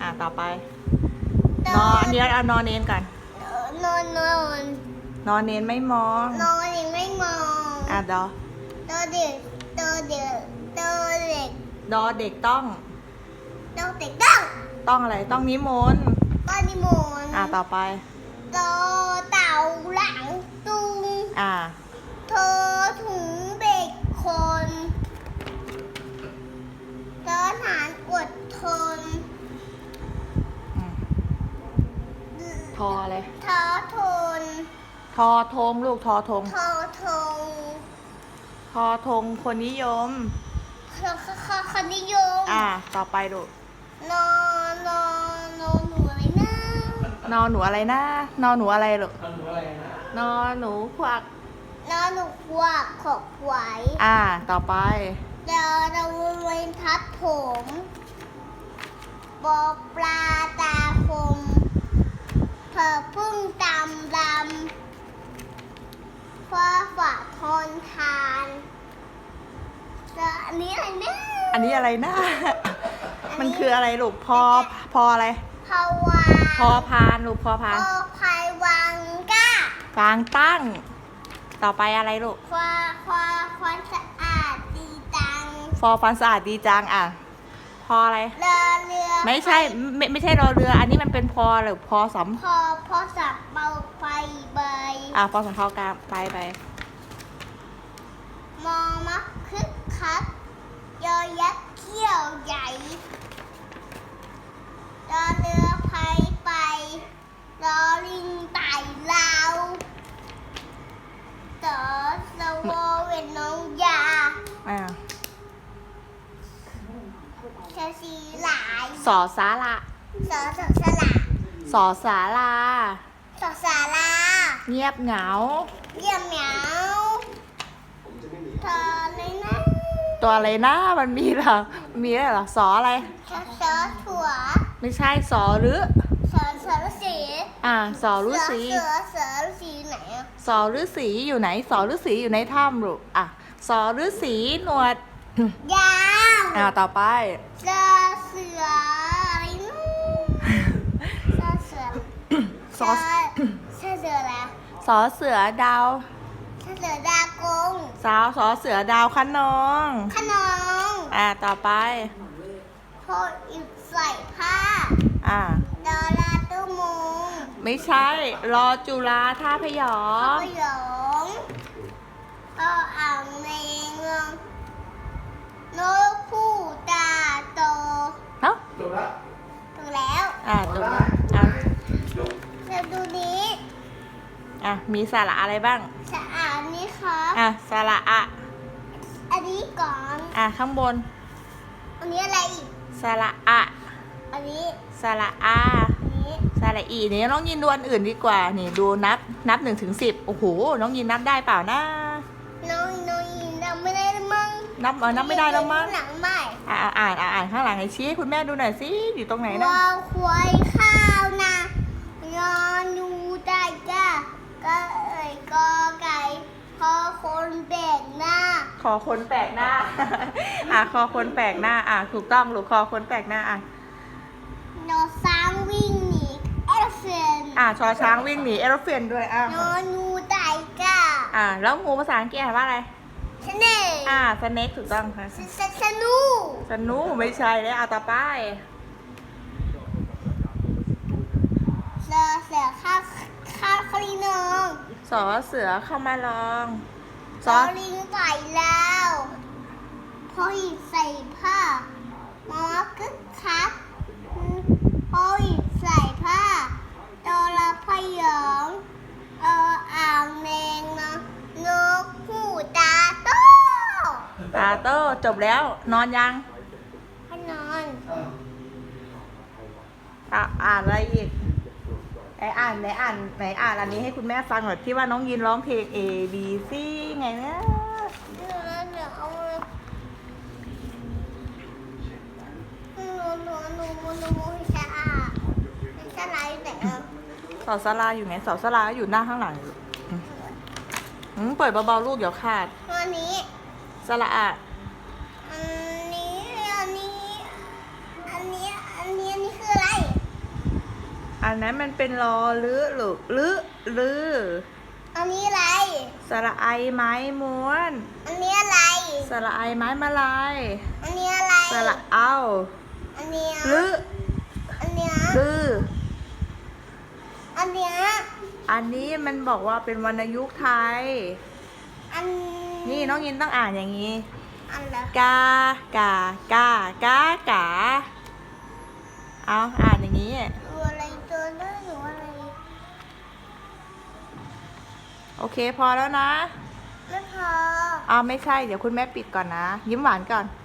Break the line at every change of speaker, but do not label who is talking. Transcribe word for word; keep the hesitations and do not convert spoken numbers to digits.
อ่ะต่อไปนอนเดี๋ยวเอานอนเน้นก่อน
นอนนอน
นอนเน้นไม่มอง
นอนเด็กไม่มอง
อ่ะดอ
ตัวเด็กตัวเด็กตัวเด็ก
ดอเด็กต้อง
ตัวเด็กต้อง
ต้องอะไรต้องนิมนต์
ก้อนนิมนต์
อ่ะต่อไป
ตัวเต่าหลังตุง
อ่ะ
เธอถุงเด็กคนเธอฐานอดทน
อืมทออะไร
เธอทน
ทอธงลูกทอธง
เธอทง
ทอธงคนนิยม
เธอคนิยม
อ่ะต่อไปลูก
นอนนอนนอนหนูอะไรนะ
นอนหนูอะไรนะนอนหนูอะไรลูก
ทำหนูอะไรนะ
นอนหนูควัก
นอนหนูควักขบไหว
อ่ะต่อไป
เดี๋ยวเราเวนทัดผมบอปลาตาคมเธอพึ่งดำดำฟ้าฝ่าทนทานแล้วอันนี้อะไรเนี่ย
อันนี้อะไรนะ มันคืออะไรลูกพอพออะไร
ภาวา
พอพานลูกพอพาน
พอภายวังก้าก
ลางตั้ง ต่อไปอะไรลูก
ควาควาความสะอาดดีจัง
ฟอฟันสะอาดดีจังอ่ะ พออะไร
เรือเรือ
ไม่ใช่ไม่ไม่ใช่รอเรือ อันนี้มันเป็นพอหรือพอส
พอพอสับเบาไฟใบ
ำอ่ะพอสำเพากลางไปไป
มองมักคึกคักยอยักษ์เขี้ยวใหญ่รอเรือไพไปรอลิงไต่ลาวต่อสวอเวนน้องยา
อ่ะ
เชอสีหลาย
สอสาระ
สอสอสละ
สอสารา
สอสาลา
เงียบเหงา
เยี่ยมเหมียวเธอเลยนะ
ตัวอะไรนะมันมีเหรอมีอะไรเหรอสออะไร
สอสอถั่ว
ไม่ใช่สอหรือ
สอสอฤาษี
อ่ะสอฤาษี
เสือเสือฤาษีไหนอะ
สอฤาษีอยู่ไหนสอฤาษีอยู่ในถ้ำลูกอ่ะสอฤาษีหนวด
ยาว
อ่ะต่อไป
เสือเสืออะไรนู้เสือเสือ
สอ
เสือเสืออะไร
สอเสือดาว
เสือเสือดากง
สาวสอเสือดาวคะนอง
ขนอง
อ่ะต่อไป
พออิบใส่ผ้า
อ่ะ
ดอลาตุ้มง
ไม่ใช่รอจุฬาท่าพยอ
ข้าว
ม
หยงก็อ่างเมงนกผู้ตาโต
เอ้า
จบละ
ถูกแล้ว
อ่ะจบแล้วอ่ะ
เราดูนี้
อ่ะมีสาระอะไรบ้าง
สะอาดนี่ครับ
อ่ะสาระอะ
อันนี้ก่อน
อ่ะข้างบน
อันนี้อะไรอีก
สาระอะ
อันนี้
สาระอา
อันนี้
สาระอีนี่น้องยินดูอันอื่นดีกว่า นี่ดูนับนับหนึ่งถึงสิบโอ้โหน้องยินนับได้เปล่านะ
น้องน้องยินเราไม่ได้ละมั้ง
นับเออนับไม่ได้แล้วมั้ง
หลังไม่
อ่าอ่านอ่านอ่านข้างหลังให้ชี้ให้คุณแม่ดูหน่อยสิอยู่ตรงไหนนะ
วาวควายข้าวนะนอนดูได้จ้าก็เอ่ยกอไก่พอคนแบกหน้า
คอคนแปลกหน้า อ่ะคอคนแปลกหน้า อ่ะถูกต้องหรือคอคนแปลกหน้าอ่ะ
นอนซ้างวิ่งหนีเอลเฟน
อ่ะชอช้างวิ่งหนีเอโรเฟนด้วยอ่ะ
นอนดูได้จ้า
อ่ะแล้วงูภาษาอังกฤษอ่านว่าอะไร
ชเน่
อ่ะสเน็กถูกต้องค่ะ
สสสนู
สนูไม่ใช่แล้วอ่ะต่อไป
เสือเสือข้าวข้าวคลีนอง
สอเสือเข้ามาลอง
ซอลิงใส่แล้วพอหยิบใส่ผ้าหมอคึกคักพอหยิบใส่ผ้าโดราพยองเอออ่างแมงนะนกหูตาโต
ตาโต้จบแล้ว นอนยัง
พนอน
อ่ะอ่านอะไรอีกไหนอ่านไหนอ่านไหนอ่านอันนี้ให้คุณแม่ฟังหน่อยที่ว่าน้องยินร้องเพลง A B C ไงนะ
เดี๋ยวเดี๋ยวเอาหนูหนูหนูหนูหนูไม่ใช่อ่ะไม่ใช่ไรไหนอ่ะ
เสาสลาอยู่ไหนเสาสลาอยู่หน้าข้างหลังอยู่อืมอืมเปิดเบาๆลูกเดี๋ยวขาด
ตัวนี้
สระอะ
อันนี้ อันนี้ อันนี้ อันนี้ อันนี้คืออะไร
อันนั้นมันเป็นรอลือหรือลือลือ
อันนี้อะไร
สระไอไม้ม้วน
อันนี้อะไร
สระไอไม้มาลาย
อันนี้อะไร
สระเอา
อันเนี้ย
ลือ
อันเนี้ย
ลือ
อันเนี้ย
อันนี้มันบอกว่าเป็นวรรณยุกต์ไทย
อัน
นี่น้องยินต้องอ่านอย่างนี้
อันละ
กากากากากาเอาอ่านอย่างนี้
ตัวอะไรตัวเลือดหรืออะไร
โอเคพอแล้วนะ
ไม่พอ
เอาไม่ใช่เดี๋ยวคุณแม่ปิดก่อนนะ ยิ้มหวานก่อน